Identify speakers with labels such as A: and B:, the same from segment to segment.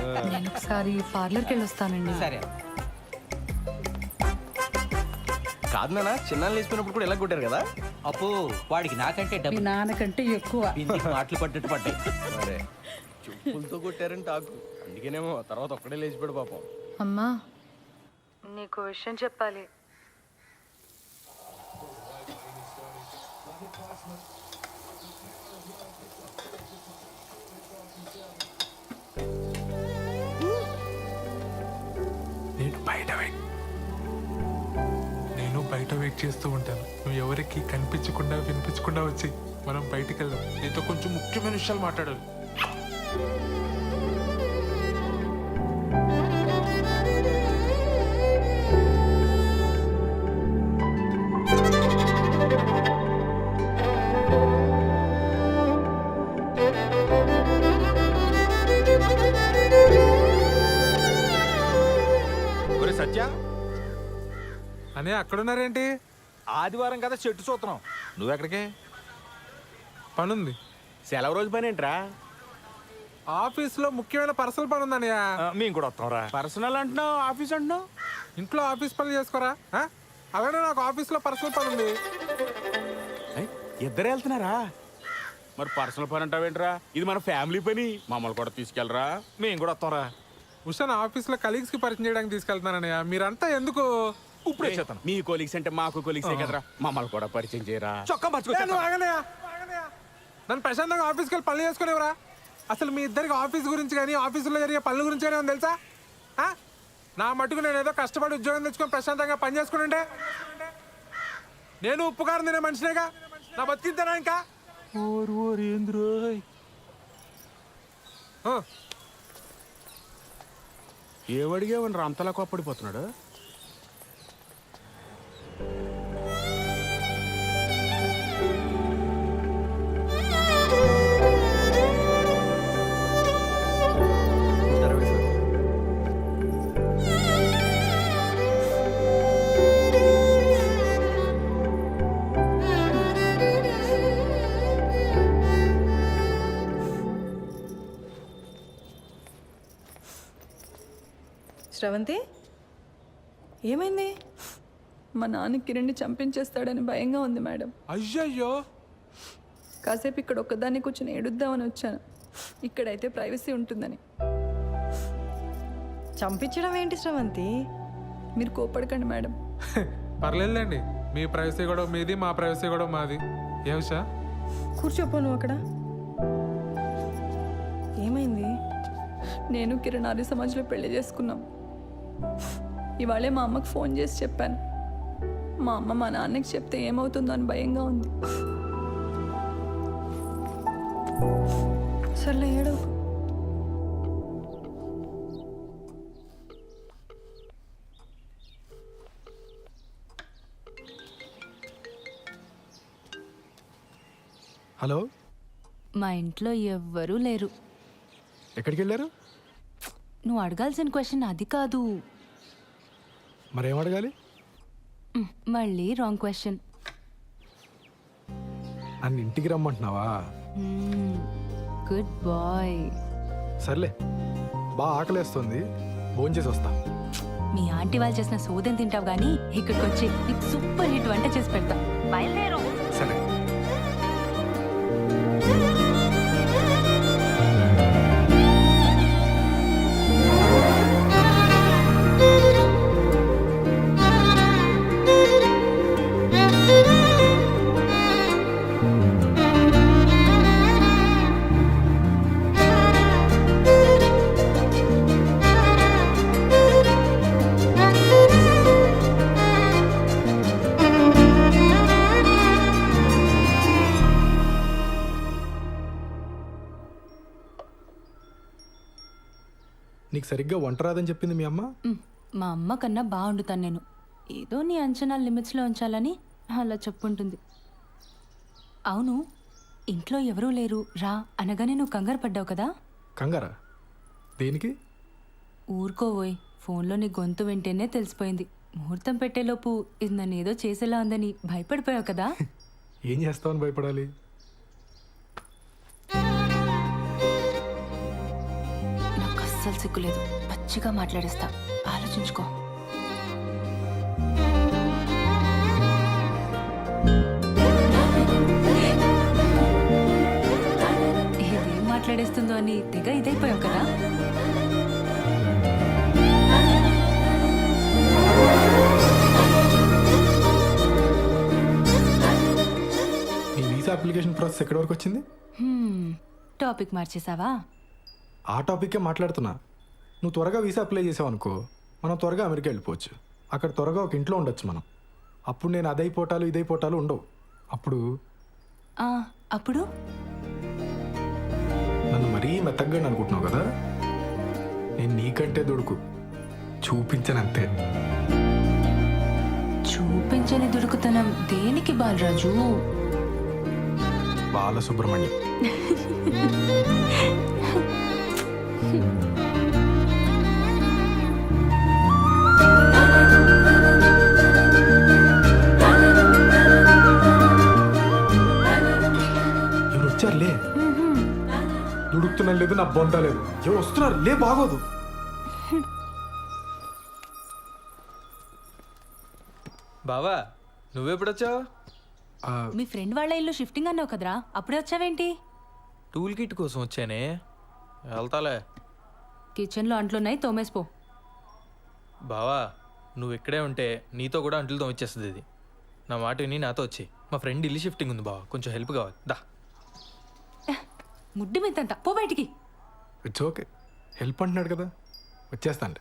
A: నేను ఒకసారి పార్లర్కి వెళ్ళి వస్తానండి.
B: సరే.
C: కాదు నాన్న, చిన్న లేచిపోయినప్పుడు కూడా ఎలా కొట్టారు కదా?
B: అప్పు వాడికి నాకంటే
D: మీ
B: డబ్బు
D: నాన్నకంటే ఎక్కువ.
B: బిందికి మాటలు పడ్డట్టు పడ్డాయి.
C: మరే చెప్పులతో కొట్టారని టాకు, అందుకేనేమో తర్వాత ఒక్కడే లేచిపోయాడు పాపం.
A: అమ్మా, నీకు విషయం చెప్పాలి.
E: నేను బయట వెయిట్ చేస్తూ ఉంటాను. నువ్వు ఎవరికి కనిపించకుండా వినిపించకుండా వచ్చి మనం బయటికి వెళ్దాం. నీతో కొంచెం ముఖ్యమైన విషయాలు మాట్లాడాలి.
F: ఒరే సత్య,
E: అని అక్కడున్నారేంటి?
F: ఆదివారం కదా చెట్టు చూస్తున్నాం. నువ్వెక్కడికే?
E: పనుంది.
F: సెలవు రోజు పని ఏంట్రా?
E: ఆఫీస్లో ముఖ్యమైన పర్సనల్ పని ఉందన్నయ్య.
F: మేము కూడా వస్తాంరా. పర్సనల్ అంటున్నావు, ఆఫీస్ అంటున్నావు.
E: ఇంట్లో ఆఫీస్ పనులు చేసుకోరా? అలానే నాకు ఆఫీస్లో పర్సనల్ పని ఉంది.
F: ఇద్దరే వెళ్తున్నారా? మరి పర్సనల్ పని అంటావేంట్రా? ఇది మన ఫ్యామిలీ పని, మమ్మల్ని కూడా తీసుకెళ్ళరా. మేము కూడా వస్తాంరా.
E: ఉషాన్ ఆఫీస్లో కలీగ్స్ కి పరిచయం చేయడానికి తీసుకెళ్తున్నానయ్య. మీరంతా ఎందుకు?
F: ఇప్పుడే చేస్తాను. మీ కొలీగ్స్ అంటే మాకు కొలీగ్సే కదరా, మమ్మల్ని కూడా పరిచయం చేయరా. చొక్కా
E: నువ్వు ఆగనయ్య, ఆగనయ్య. నన్ను ప్రశాంతంగా ఆఫీస్కి వెళ్ళి పనులు చేసుకునేవరా? అసలు మీ ఇద్దరికి ఆఫీస్ గురించి కానీ ఆఫీసులో జరిగే పనుల గురించి కానీ తెలుసా? నా మటుకు నేను ఏదో కష్టపడి ఉద్యోగం తెచ్చుకొని ప్రశాంతంగా పని చేసుకుంటే నేను ఉప్పు కారం తినే మనిషినేగా. నా బతికిద్దానా ఇంకా?
F: ఏమడిగావని అంతలా కోప్పడిపోతున్నాడు?
G: శ్రవంతి, ఏమైంది?
H: మా నాన్న కిరణ్ని చంపించేస్తాడని భయంగా ఉంది మేడం.
E: అయ్యయ్యో.
H: కాసేపు ఇక్కడ ఒక్కదాన్ని కూర్చొని ఏడుద్దామని వచ్చాను. ఇక్కడైతే ప్రైవసీ ఉంటుందని.
G: చంపించడం ఏంటి శ్రవంతి?
H: మీరు కోపడకండి మేడం.
E: పర్లేదులేండి, మీ ప్రైవసీ కూడా మీది, మా ప్రైవసీ కూడా మాది. ఏమిషా?
G: కూర్చోపో నువ్వు అక్కడ. ఏమైంది?
H: నేను కిరణ్ ఆర్య సమాజ్లో పెళ్లి చేసుకున్నాం. ఇవాళే మా అమ్మకు ఫోన్ చేసి చెప్పాను. మా అమ్మ మా నాన్నకి చెప్తే ఏమవుతుందో అని భయంగా ఉంది.
G: సర్లే, ఏడవ.
I: హలో,
A: మా ఇంట్లో ఎవ్వరూ లేరు.
I: ఎక్కడికి వెళ్ళారు?
A: నువ్వు అడగాల్సిన క్వశ్చన్ అది కాదు.
I: మరేం అడగాలి?
A: మళ్ళీ రాంగ్ క్వశ్చన్.
I: నన్ను ఇంటికి రమ్మంటున్నావా?
A: Good bye.
I: సర్లే, బాగా ఆకలేస్తుంది, భోంచేసి వస్తా.
A: మీ ఆంటీ వాళ్ళు చేసిన సోదం తింటావు కానీ ఇక్కడికి వచ్చి నీకు సూపర్ హిట్ వంట చేసి పెడతా. బయలుదేరు.
I: సరే. నీకు సరిగ్గా వంట రాదని చెప్పింది మీ అమ్మ?
A: మా అమ్మ కన్నా బాగుండుతాను నేను. ఏదో నీ అంచనా లిమిట్స్లో ఉంచాలని అలా చెప్పుంటుంది. అవును, ఇంట్లో ఎవరూ లేరు రా అనగానే నువ్వు కంగారు పడ్డావు కదా?
I: కంగారా? దేనికి?
A: ఊరుకోవోయ్, ఫోన్లో నీ గొంతు వింటేనే తెలిసిపోయింది. ముహూర్తం పెట్టేలోపు ఇది నన్ను ఏదో చేసేలా ఉందని భయపడిపోయావు కదా?
I: ఏం చేస్తావని భయపడాలి?
A: నాకు అస్సలు సిగ్గులేదు. పచ్చిగా మాట్లాడేస్తా, ఆలోచించుకో. ఇదేం మాట్లాడేస్తుందో అని తెగ ఇదైపోయావు కదా.
I: నీ వీసా అప్లికేషన్ ప్రాసెస్ ఎక్కడి వరకు వచ్చింది?
A: టాపిక్ మార్చేసావా?
I: ఆ టాపిక్కే మాట్లాడుతున్నా. నువ్వు త్వరగా వీసా అప్లై చేసావు అనుకో, మనం త్వరగా అమెరికా వెళ్ళిపోవచ్చు. అక్కడ త్వరగా ఒక ఇంట్లో ఉండొచ్చు మనం. అప్పుడు నేను అదైపోటాలు ఇదైపోటాలు ఉండవు. అప్పుడు
A: అప్పుడు
I: నన్ను మరీ మెత్తగ్గా అనుకుంటున్నావు కదా. నేను నీకంటే దుడుకు చూపించనంతే.
A: చూపించని దుడుకుతనం దేనికి బాలరాజు?
I: బాలసుబ్రహ్మణ్యం. ఎవరు వచ్చారులే. దుడుకుతున్నా లేదు, నా బొంద లేదు. ఎవరు వస్తున్నారు లే, బాగోదు.
C: బావా నువ్వెప్పుడొచ్చావు?
A: మీ ఫ్రెండ్ వాళ్ళ ఇల్లు షిఫ్టింగ్ అన్నావు కదరా, అప్పుడే వచ్చావేంటి?
C: టూల్ కిట్ కోసం వచ్చానే. వెళ్తాలే.
A: కిచెన్లో అంట్లున్నాయి, తోమేసిపో.
C: బావా నువ్వు ఇక్కడే ఉంటే నీతో కూడా అంట్లు తోమిచ్చేస్తుంది ఇది. నా మాట విని నాతో వచ్చి. మా ఫ్రెండ్ ఇల్లు షిఫ్టింగ్ ఉంది బావా, కొంచెం హెల్ప్ కావాలి. దా.
A: ముడ్డి మీదంట, పో బయటికి.
I: ఇట్స్ ఓకే, హెల్ప్ అంటున్నాడు కదా, వచ్చేస్తాను.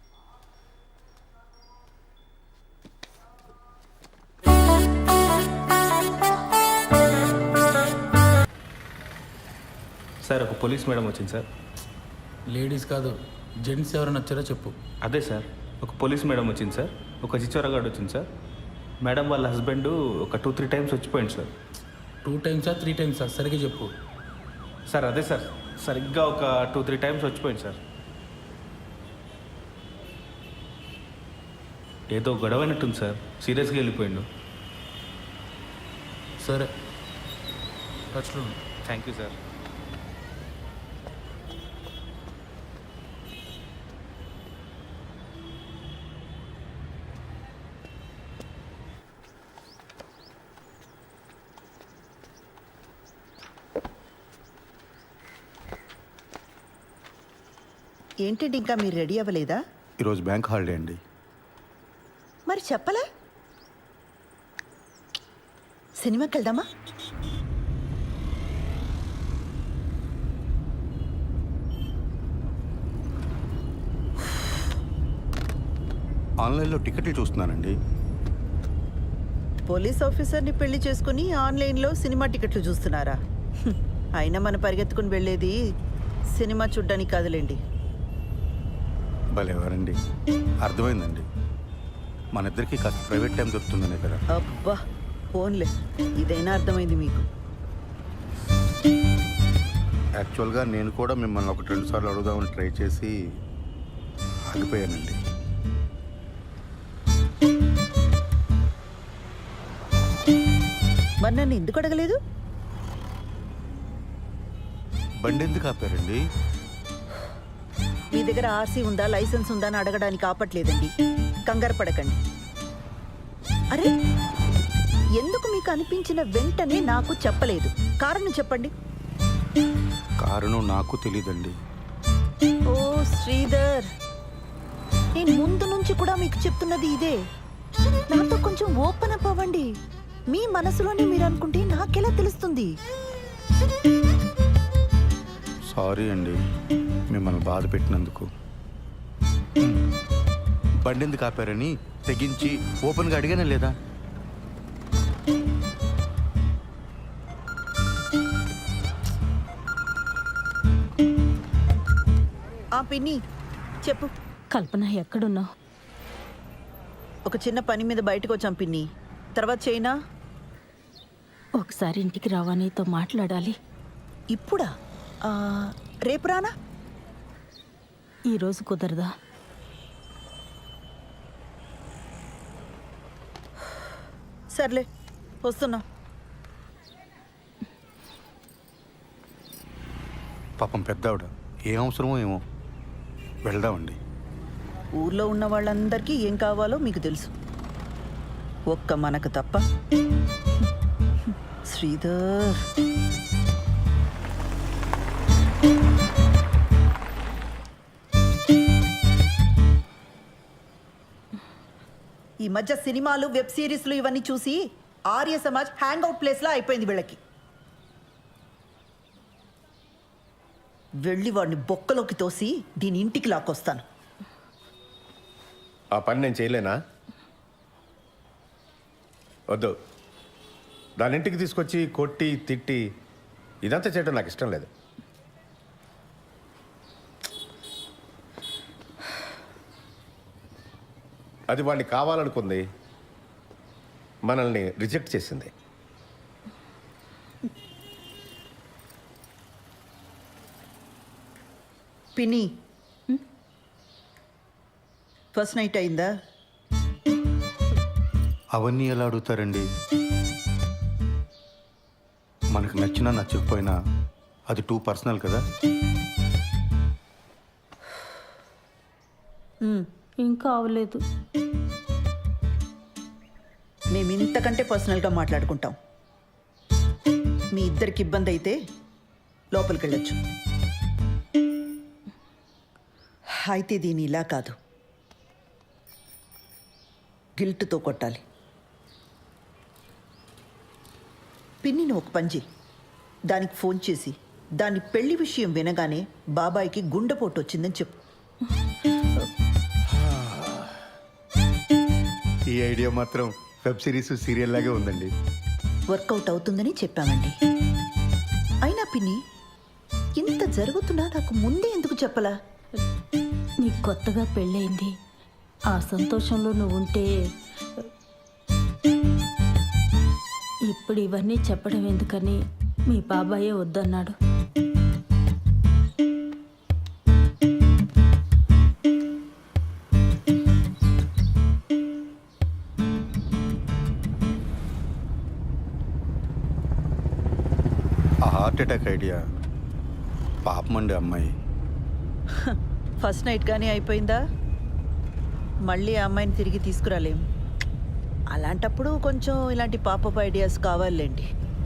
D: సార్ ఒక పోలీస్ మేడం వచ్చింది సార్.
J: లేడీస్ కాదు, జెంట్స్ ఎవరైనా వచ్చారో చెప్పు.
D: అదే సార్, ఒక పోలీస్ మేడం వచ్చింది సార్. ఒక చిచ్చోరగాడు వచ్చింది సార్. మేడం వాళ్ళ హస్బెండ్ ఒక 2-3 టైమ్స్ వచ్చిపోయింది సార్.
J: 2 టైమ్సా 3 టైమ్సా సరిగ్గా చెప్పు.
D: సార్ అదే సార్, సరిగ్గా ఒక 2-3 టైమ్స్ వచ్చిపోయింది సార్. ఏదో గొడవ అయినట్టుంది సార్, సీరియస్గా వెళ్ళిపోయిండు.
J: సరే, టచ్లో ఉండు.
D: Thank you sir.
K: ఏంటండి ఇంకా మీరు రెడీ అవ్వలేదా?
L: ఈరోజు బ్యాంక్ హాలిడే అండి.
K: మరి చెప్పలా? సినిమాకి వెళ్దామా?
L: ఆన్లైన్లో టికెట్లు చూస్తున్నానండి.
K: పోలీస్ ఆఫీసర్ని పెళ్లి చేసుకుని ఆన్లైన్లో సినిమా టికెట్లు చూస్తున్నారా? అయినా మన పరిగెత్తుకుని వెళ్ళేది సినిమా చూడ్డానికి కాదులేండి.
L: భలేవారండి, అర్థమైందండి. మన ఇద్దరికి కాస్త ప్రైవేట్ టైం దొరుకుతుందనే కదా.
K: అబ్బా ఫోన్లే, ఇదైనా అర్థమైంది మీకు.
L: యాక్చువల్గా నేను కూడా మిమ్మల్ని 1-2 సార్లు అడుగుదామని ట్రై చేసి ఆగిపోయానండి.
K: మరి నన్ను ఎందుకు అడగలేదు?
L: బండి ఎందుకు ఆపారండి?
K: మీ దగ్గర ఆర్సీ ఉందా, లైసెన్స్ ఉందా అని అడగడానికి ఆపట్లేదండి. కంగారు పడకండి. అరే, ఎందుకు మీకు అనిపించిన వెంటనే నాకు చెప్పలేదు? కారణం చెప్పండి.
L: కారణం నాకు తెలీదండి.
K: ఓ శ్రీధర్, నేను ముందు నుంచి కూడా మీకు చెప్తున్నది ఇదే. నాతో కొంచెం ఓపెన్ అప్ అవ్వండి. మీ మనసులోనే మీరు అనుకుంటే నాకెలా తెలుస్తుంది?
L: సారీ అండి మిమ్మల్ని బాధ పెట్టినందుకు. బండి ఎందుకు ఆపారని తెగించి ఓపెన్గా అడిగానే లేదా?
K: పిన్ని చెప్పు.
G: కల్పన ఎక్కడున్నావు?
K: ఒక చిన్న పని మీద బయటకు వచ్చాం పిన్ని, తర్వాత చేయనా?
G: ఒకసారి ఇంటికి రావా, నీతో మాట్లాడాలి.
K: ఇప్పుడా? రేపు రానా?
G: ఈరోజు కుదరదా?
K: సర్లే, వస్తున్నా.
L: పాపం పెద్దావిడ, ఏం అవసరమో ఏమో. వెళ్దామండి.
K: ఊర్లో ఉన్న వాళ్ళందరికీ ఏం కావాలో మీకు తెలుసు, ఒక్క మనకు తప్ప. శ్రీధర్, ఈ మధ్య సినిమాలు, వెబ్ సిరీస్లు ఇవన్నీ చూసి ఆర్య సమాజ్ హ్యాంగ్ అవుట్ ప్లేస్లా అయిపోయింది వీళ్ళకి. వెళ్ళి వాడిని బొక్కలోకి తోసి దీని ఇంటికి లాక్కొస్తాను.
M: ఆ పని నేను చేయలేనా? వద్దు, దాని ఇంటికి తీసుకొచ్చి కొట్టి తిట్టి ఇదంతా చేయడం నాకు ఇష్టం లేదు. అది వాడిని కావాలనుకుంది, మనల్ని రిజెక్ట్ చేసింది.
K: పిన్ని, ఫస్ట్ నైట్ అయిందా?
L: అవన్నీ ఎలా అడుగుతారండి? మనకు నచ్చినా నచ్చకపోయినా అది టూ పర్సనల్ కదా.
G: ఇంకా అవలేదు.
K: మేము ఇంతకంటే పర్సనల్గా మాట్లాడుకుంటాం. మీ ఇద్దరికి ఇబ్బంది అయితే లోపలికి వెళ్ళొచ్చు. అయితే దీని ఇలా కాదు, గిల్ట్తో కొట్టాలి. పిన్నిని ఒక పని చెయ్యి, దానికి ఫోన్ చేసి దాని పెళ్లి విషయం వినగానే బాబాయికి గుండెపోటు వచ్చిందని చెప్పు.
L: ఈ ఐడియా మాత్రం వెబ్ సిరీస్, సీరియల్ లాగే ఉందండి.
K: వర్కౌట్ అవుతుందని చెప్పామండి. అయినా పిన్ని, ఇంత జరుగుతున్నా నాకు ముందే ఎందుకు చెప్పలా?
G: నీకు కొత్తగా పెళ్ళయింది, ఆ సంతోషంలో నువ్వు ఉంటే ఇప్పుడు ఇవన్నీ చెప్పడం ఎందుకని మీ బాబాయే వద్దన్నాడు.
L: ఆ హార్ట్ అటాక్ ఐడియా పాపమండి అమ్మాయి.
K: ఫస్ట్ నైట్ కానీ అయిపోయిందా? మళ్ళీ ఆ అమ్మాయిని తిరిగి తీసుకురాలేం. అలాంటప్పుడు కొంచెం ఇలాంటి పాపప్ ఐడియాస్ కావాలండి.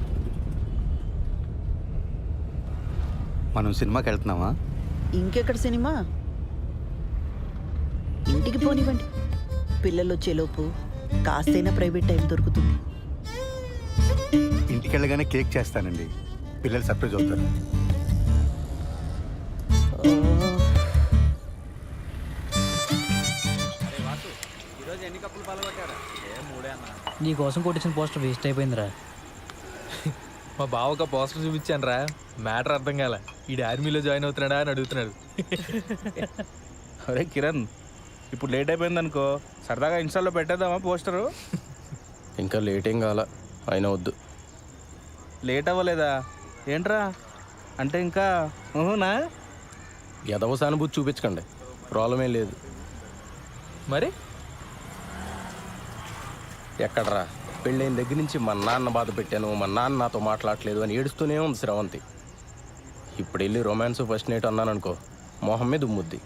L: మనం సినిమాకి వెళ్తున్నామా?
K: ఇంకెక్కడ సినిమా? ఇంటికి పోనివ్వండి, పిల్లలు వచ్చేలోపు కాస్తైనా ప్రైవేట్ టైం దొరుకుతుంది.
L: ఇంటికి వెళ్ళగానే కేక్ చేస్తానండి, పిల్లలు సర్ప్రైజ్ అవుతారు.
J: నీ కోసం కొట్టించిన పోస్టర్ వేస్ట్ అయిపోయిందిరా.
C: మా బావ ఒక పోస్టర్ చూపించాను రా, మ్యాటర్ అర్థం కాల. ఈ ఆర్మీలో జాయిన్ అవుతున్నాడా అని అడుగుతున్నాడు.
F: అరే కిరణ్, ఇప్పుడు లేట్ అయిపోయింది అనుకో, సరదాగా ఇన్స్టాల్లో పెట్టేద్దామా పోస్టరు?
M: ఇంకా లేట్ ఏం కావాలా, అయినా వద్దు.
F: లేట్ అవ్వలేదా ఏంట్రా? అంటే ఇంకా ఊహునా?
M: ఎదవ సానుభూతి చూపించకండి, ప్రాబ్లం ఏం లేదు.
C: మరి
M: ఎక్కడరా, పెళ్ళైన దగ్గర నుంచి మా నాన్న బాధ పెట్టాను, మా నాన్న నాతో మాట్లాడలేదు అని ఏడుస్తూనే ఉంది శ్రవంతి. ఇప్పుడు వెళ్ళి రొమాన్స్ ఫస్ట్ నైట్ అన్నాను అనుకో, మొహం మీద ఉమ్ముద్ది.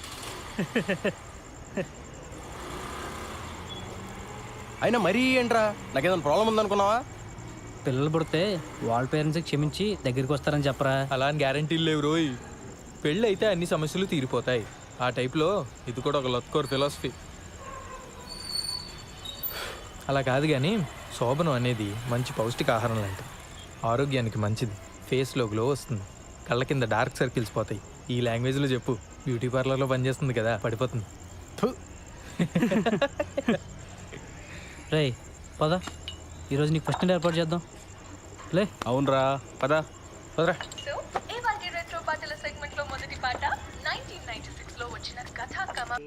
M: అయినా మరీ ఏంట్రా, నాకేదైనా ప్రాబ్లం ఉందనుకున్నావా?
J: పిల్లలు పుడితే వాళ్ళ పేరెంట్స్కి క్షమించి దగ్గరికి వస్తారని చెప్పరా.
C: అలా అని గ్యారంటీలు లేవు రోయ్. పెళ్ళి అయితే అన్ని సమస్యలు తీరిపోతాయి. ఆ టైప్లో ఇది కూడా ఒక లత్కోర్ ఫిలాసఫీ. అలా కాదు కానీ శోభనం అనేది మంచి పౌష్టికాహారం లాంటిది. ఆరోగ్యానికి మంచిది, ఫేస్లో గ్లో వస్తుంది, కళ్ళ కింద డార్క్ సర్కిల్స్ పోతాయి. ఈ లాంగ్వేజ్లో చెప్పు, బ్యూటీ పార్లర్లో పనిచేస్తుంది కదా, పడిపోతుంది.
J: రే పద, ఈరోజు నీకు ఫస్ట్ నైట్ ఏర్పాటు చేద్దాం. లే.
F: అవునరా, పదా
C: వదరా.
H: సెగ్మెంట్లో మొదటి పాట 1996 లో వచ్చిన కథా కమ.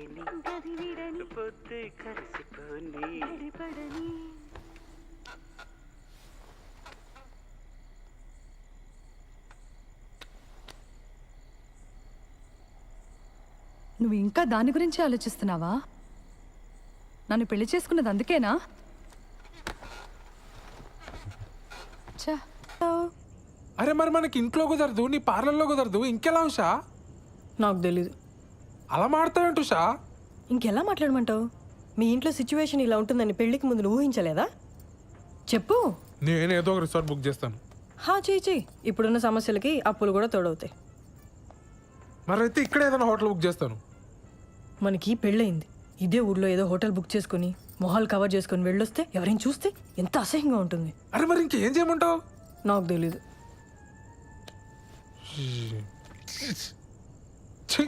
A: నువ్వు ఇంకా దాని గురించి ఆలోచిస్తున్నావా? నన్ను పెళ్లి చేసుకున్నది అందుకేనా?
E: అరే మరి మనకి ఇంట్లో కుదరదు, నీ పార్లర్లో కుదరదు, ఇంకెలా ఉషా?
G: నాకు తెలీదు.
E: అలా మాడతావేంటి ఉషా?
H: ఇంకెలా మాట్లాడమంటావు? మీ ఇంట్లో సిచ్యువేషన్ ఇలా ఉంటుందని పెళ్లికి ముందు నువ్వు ఊహించలేదా? చెప్పు.
E: నేను ఏదో ఒక రిసార్ట్ బుక్ చేస్తాను.
H: చెయ్యి. ఇప్పుడున్న సమస్యలకి అప్పులు కూడా తోడవుతాయి.
E: మరైతే ఇక్కడ ఏదైనా హోటల్ బుక్ చేస్తాను.
H: మనకి పెళ్ళయింది. ఇదే ఊర్లో ఏదో హోటల్ బుక్ చేసుకుని మొహాలు కవర్ చేసుకుని వెళ్ళొస్తే ఎవరైనా చూస్తే ఎంత అసహ్యంగా ఉంటుంది.
E: అరే మరి ఇంకేం చేయమంటావు?
H: నాకు తెలీదు.
E: ఛీ!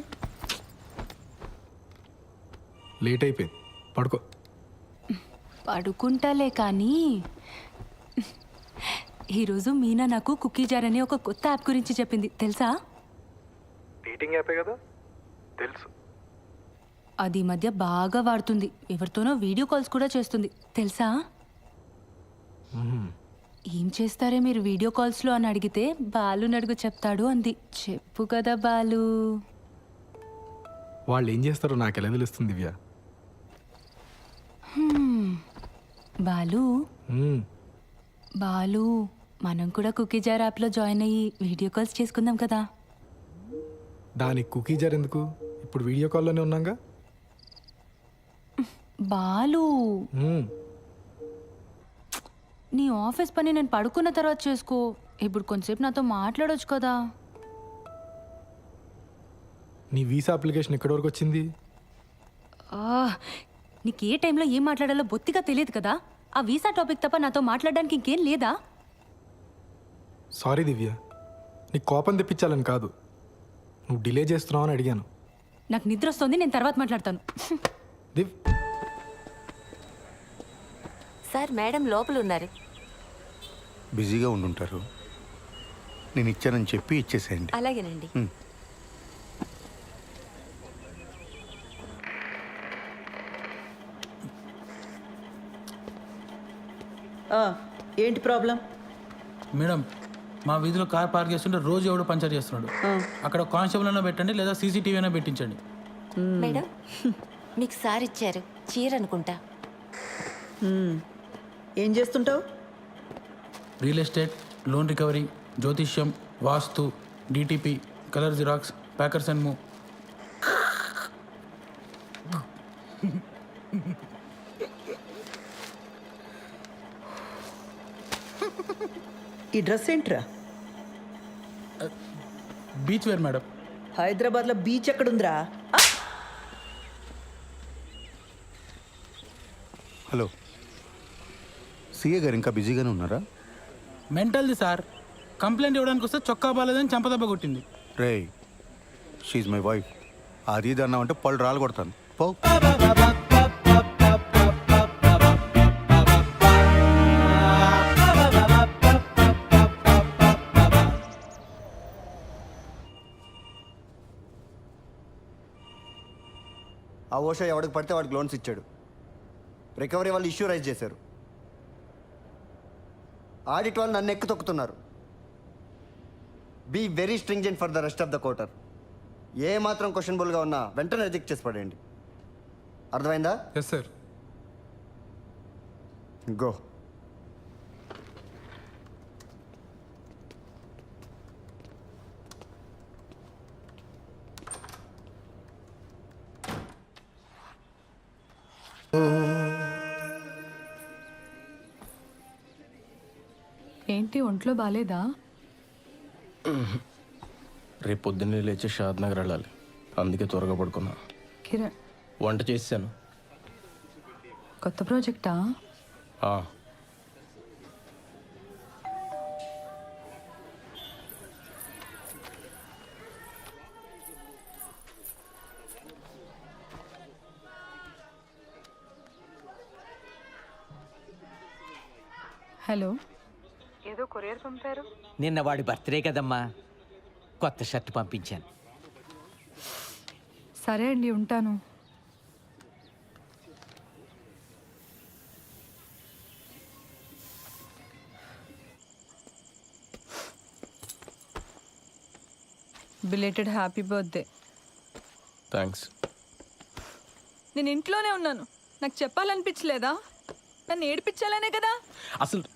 I: లేట్ అయిపోయింది, పడుకో.
A: పడుకుంటాలే కానీ ఈరోజు మీనా నాకు కుకీ జార్ అనే ఒక కొత్త యాప్ గురించి చెప్పింది, తెలుసా?
I: డేటింగ్ యాపే కదా, తెలుసు.
A: అది ఈ మధ్య బాగా వాడుతుంది. ఎవరితోనో వీడియో కాల్స్ కూడా చేస్తుంది, తెలుసా? ఏం చేస్తారే మీరు వీడియో కాల్స్లో అని అడిగితే బాలు నడుగు చెప్తాడు అంది. చెప్పు కదా బాలు.
I: వాళ్ళు ఏం చేస్తారో నాకు ఎలా తెలుస్తుంది దివ్య?
A: బాలు బాలు మనం కూడా కుకీ జార్ యాప్లో జాయిన్ అయ్యి వీడియో కాల్స్ చేసుకుందాం కదా.
I: దానికి కుకీ జార్ ఎందుకు? ఇప్పుడు వీడియో కాల్లోనే ఉన్నాగా.
A: బాలు నీ ఆఫీస్ పని నేను పడుకున్న తర్వాత చేసుకో. ఇప్పుడు కొంచెంసేపు నాతో మాట్లాడొచ్చు కదా.
I: నీ వీసా అప్లికేషన్ ఎక్కడి వరకు వచ్చింది?
A: నీకు ఏ టైంలో ఏం మాట్లాడాలో బొత్తిగా తెలియదు కదా. ఆ వీసా టాపిక్ తప్ప నాతో మాట్లాడడానికి ఇంకేం లేదా?
I: సారీ దివ్య, నీకు కోపం తెప్పించాలని కాదు, నువ్వు డిలే చేస్తున్నావు అని అడిగాను.
A: నాకు నిద్ర వస్తుంది, నేను తర్వాత మాట్లాడతాను.
I: దివ్
N: సార్, మేడం లోపల ఉన్నారు.
L: బిజీగా ఉండుంటారు, నేను ఇచ్చానని చెప్పి ఇచ్చేసేయండి.
N: అలాగేనండి.
K: ఏంటి ప్రాబ్లం?
J: మేడం, మా వీధిలో కార్ పార్క్ చేస్తుంటే రోజు ఎవడో పంచర్ చేస్తున్నాడు. అక్కడ కానిస్టేబుల్ అయినా పెట్టండి, లేదా సీసీటీవీ అయినా పెట్టించండి.
N: మేడం, మీకు సార్ ఇచ్చారు చీర అనుకుంటా.
K: ఏం చేస్తుంటావు?
J: రియల్ ఎస్టేట్, లోన్ రికవరీ, జ్యోతిష్యం, వాస్తు, DTP, colour xerox, packers and move.
K: ఈ డ్రెస్ ఏంట్రా?
J: Beach wear madam.
K: హైదరాబాద్లో బీచ్ ఎక్కడుందిరా?
L: హలో, సిఏ గారు ఇంకా బిజీగానే ఉన్నారా?
J: మెంటల్ది సార్. కంప్లైంట్ ఇవ్వడానికి వస్తే చొక్కా బాలేదని చంపదెబ్బ కొట్టింది.
L: రే, షీఈ్ మై వైఫ్. అది ఇది అన్నామంటే పళ్ళు రాలు కొడతాను. పో.
O: ఆ ఓషో ఎవడికి పడితే వాడికి లోన్స్ ఇచ్చాడు. రికవరీ వాళ్ళు ఇష్యూ రైజ్ చేశారు. ఆడిట్ వాళ్ళు నన్ను ఎక్కు తొక్కుతున్నారు. Be very stringent for the rest of the quarter. ఏ మాత్రం క్వశ్చనబుల్గా ఉన్నా వెంటనే రిజెక్ట్ చేసి పడేయండి. అర్థమైందా?
E: Yes sir.
O: గో.
A: ఏంటి ఒంట్లో బాలేదా?
M: రేపు పొద్దున్నే లేచి షాద్ నగర్ వెళ్ళాలి, అందుకే త్వరగా పడుకున్నా.
A: కిరణ్,
M: వంట చేశాను.
A: కొత్త ప్రాజెక్టా? హలో, ఏదో కొరియర్ పంపారు.
B: నిన్న వాడి బర్త్డే కదమ్మా, కొత్త షర్ట్ పంపించాను.
A: సరే అండి, ఉంటాను. Belated happy birthday.
M: థ్యాంక్స్.
H: నేను ఇంట్లోనే ఉన్నాను, నాకు చెప్పాలనిపించలేదా? నన్ను ఏడిపించాలనే కదా.
M: అసలు